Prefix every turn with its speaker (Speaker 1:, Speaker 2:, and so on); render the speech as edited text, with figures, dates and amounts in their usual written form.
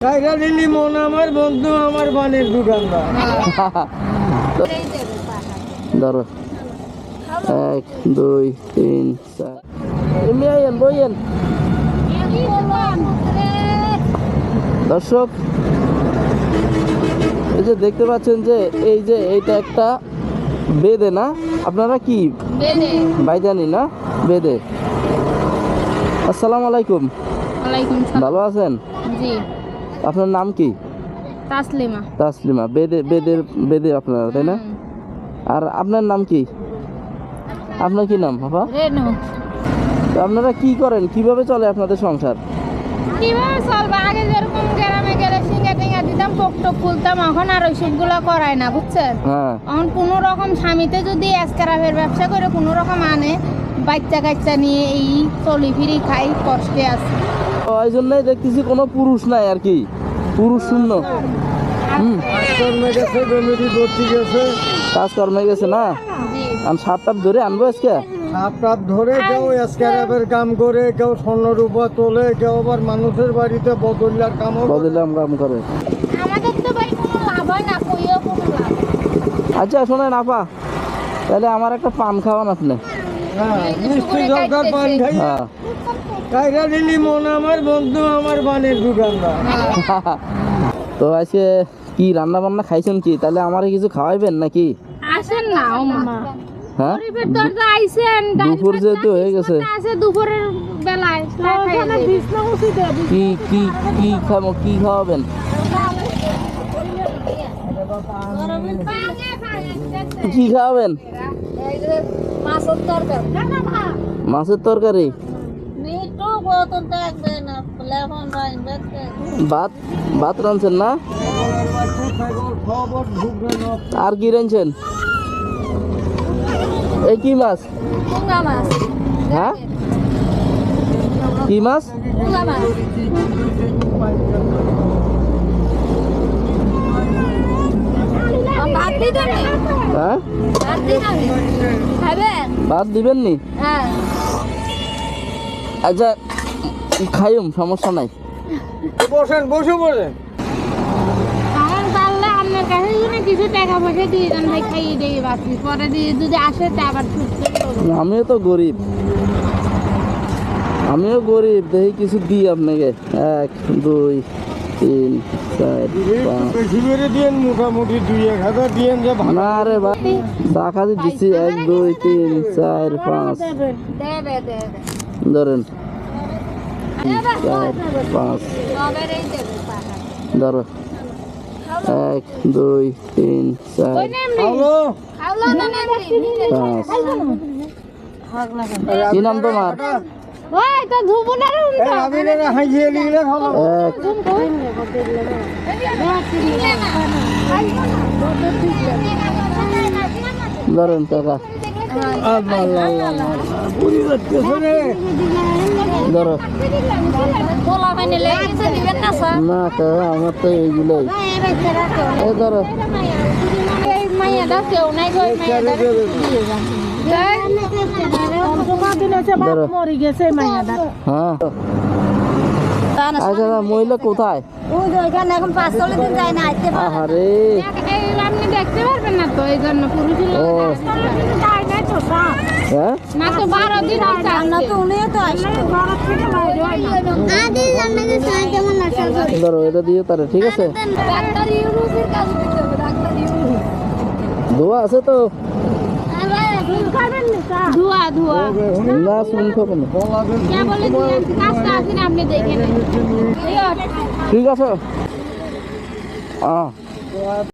Speaker 1: Tiger lily মন আমার বন্ধু আমার বানের দোকানদার।
Speaker 2: ধরো 1 2 3 4 এমনি আইয়েন বইয়েন। দর্শক এই যে দেখতে পাচ্ছেন যে এই যে এইটা একটা বেদে না, আপনারা কি ভাইজানি না বেদে। আসসালামু আলাইকুম।
Speaker 3: ওয়ালাইকুম সালাম।
Speaker 2: ভালো আছেন?
Speaker 3: জি।
Speaker 2: আপনার নাম কি?
Speaker 3: তাসলিমা।
Speaker 2: তাসলিমা। বেদে আপনারা, তাই না? আর আপনার নাম কি? আপনার কি নাম বাবা?
Speaker 3: রেনু।
Speaker 2: তো আপনারা কি করেন, কিভাবে চলে আপনাদের সংসার?
Speaker 3: কিভাবে চলবে? আগে যেরকম গ্রামে গেলে সিঙ্গা টিঙ্গা দিতাম, পোক টোক খুলতাম, এখন আর ওইসবগুলো করায় না, বুঝছেন?
Speaker 2: হ্যাঁ।
Speaker 3: এখন কোনো রকম স্বামীতে যদি এসকারাফের ব্যবসা করে কোনো রকম আনে, বাচ্চা কাচ্চা নিয়ে এই চলি ফিরি খাই, কষ্টে আছে।
Speaker 2: ওই জন্যই দেখতেছি কোনো পুরুষ নাই আর কি, পুরুষ শূন্য। কাজকর্মে গেছে না? আমি সাপটাপ ধরে আনবো আজকে।
Speaker 1: সাপটাপ ধরে কেউ এসকারাফের কাম করে, কেউ স্বর্ণরূপা তোলে, কেউ আবার মানুষের বাড়িতে বদলার কাম
Speaker 2: করে।
Speaker 3: আমাদের তো ভাই কোনো লাভ হয় না, কইও কোনো লাভ।
Speaker 2: আচ্ছা শোনেন আপা, তাহলে আমার একটা পান খাওয়ান আপনি।
Speaker 1: মিষ্টি দরকার পান খাই।
Speaker 2: হ্যাঁ।
Speaker 1: টাইগার লিলি মন আমার বন্ধু আমার বানের দোকানদার।
Speaker 2: তো আজকে কি রান্না বান্না খাইছেন কি? তাহলে আমারে কিছু খাওয়াইবেন নাকি?
Speaker 3: আসেন না ও মা।
Speaker 2: হ্যাঁ,
Speaker 3: গরিবের দরজা আইছেন,
Speaker 2: দুপুর যেহেতু হয়ে গেছে।
Speaker 3: আছে দুপুরের বেলায়
Speaker 2: কি কি কি খাবো, কি খাওয়াবেন? কি খাওয়াবেন? মাছের তরকারি, ভাত ভাত রাঁধছেন না? আর কি রাঁধছেন? এই কি মাছ? হ্যাঁ, কি মাছ? হ্যাঁ, ভাত দিবেন নি? আচ্ছা খাইম, সমস্যা নাই।
Speaker 1: বসেন, বসে বসেন।
Speaker 3: আমার পারলে আপনার কাছে যদি কিছু টাকা পয়সা দিয়ে দেন ভাই, খাইয়ে দিয়ে বাকি পরে দিয়ে যদি আসে তা আবার ছুটতে হবে।
Speaker 2: আমিও তো গরিব, দেখি কিছু দিই আপনাকে। 1 2 3 4 5।
Speaker 1: বেশি করে দিয়েন, মোটামুটি 2-1000 দিয়েন যে ভালো।
Speaker 2: না রে ভাই, চা খাতে দিচ্ছি। 1 2 3 4 5 ধরেন, 4 5 ধরো 1 2 3 4
Speaker 1: হ্যালো,
Speaker 2: 5। কি নাম তোমার?
Speaker 3: ওই তো ধুবুনার উন্টা
Speaker 1: আমি না হাইয়ে নিলে ভালো।
Speaker 2: 1 ধরেন টাকা
Speaker 1: আল্লাহ পুরি যাচ্ছে রে।
Speaker 2: ধরো।
Speaker 3: পোলা মানে লেগেছে দিবেন না স্যার?
Speaker 2: না টাকা আমার তো এইগুলোই। এই ধরো।
Speaker 3: এই মাইয়াটা কেউ নাই গো, মাইয়াটা
Speaker 2: ধরো। হ্যাঁ। আচ্ছা মহিলা কোথায়? আহারে,
Speaker 3: আপনি দেখতে পারবেন না তো, এই জন্য পুরুষের
Speaker 2: ও হ্যাঁ,
Speaker 3: মাত্র 12 দিন
Speaker 2: ধরো এটা দিয়ে তারা, ঠিক আছে? ধোয়া আছে তো?
Speaker 3: ধোয়া ধোয়া
Speaker 2: না শুন খাবো না।
Speaker 3: কাজটা আছে না, আপনি দেখেন।
Speaker 2: ঠিক আছে।